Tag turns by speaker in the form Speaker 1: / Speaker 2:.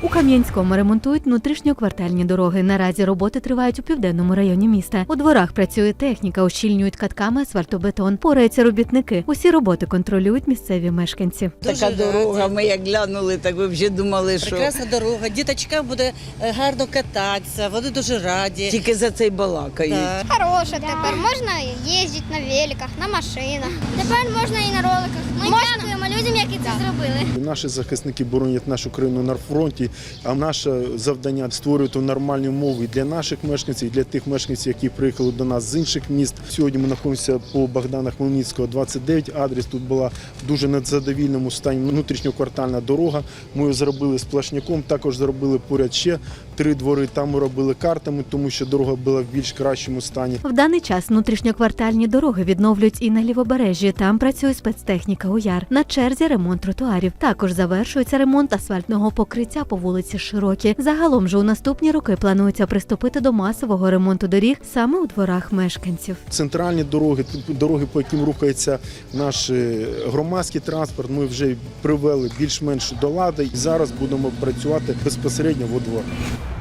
Speaker 1: У Кам'янському ремонтують внутрішньоквартальні дороги. Наразі роботи тривають у південному районі міста. У дворах працює техніка, ощільнюють катками асфальтобетон. Пораються робітники. Усі роботи контролюють місцеві мешканці.
Speaker 2: Така дорога, ми як глянули, так ви вже думали, що...
Speaker 3: Прекрасна дорога, діточкам буде гарно кататися, вони дуже раді.
Speaker 2: Тільки за цей балакають.
Speaker 3: Так.
Speaker 4: Хороше тепер, можна їздити на великах, на машинах. Тепер можна і на роликах. Ми дякуємо людям, які це зробили.
Speaker 5: Наші захисники боронять нашу країну на фронті, а наше завдання – створювати нормальні умови для наших мешканців, і для тих мешканців, які приїхали до нас з інших міст. Сьогодні ми знаходимося по Богдана Хмельницького, 29, адрес. Тут була в дуже незадовільному стані внутрішньоквартальна дорога. Ми її зробили сплошняком, також зробили поряд ще 3 двори. Там ми робили картами, тому що дорога була в більш кращому стані.
Speaker 1: В даний час внутрішньоквартальні дороги відновлюють і на Лівобережжі. Там працює спецтехніка УЯР. На черзі ремонт тротуарів. Також завершується ремонт асфальтного покриття по вулиці Широкі. Загалом же у наступні роки планується приступити до масового ремонту доріг саме у дворах мешканців.
Speaker 5: Центральні дороги, по яким рухається наш громадський транспорт, ми вже привели більш-менш до ладу. І зараз будемо працювати безпосередньо во дворах.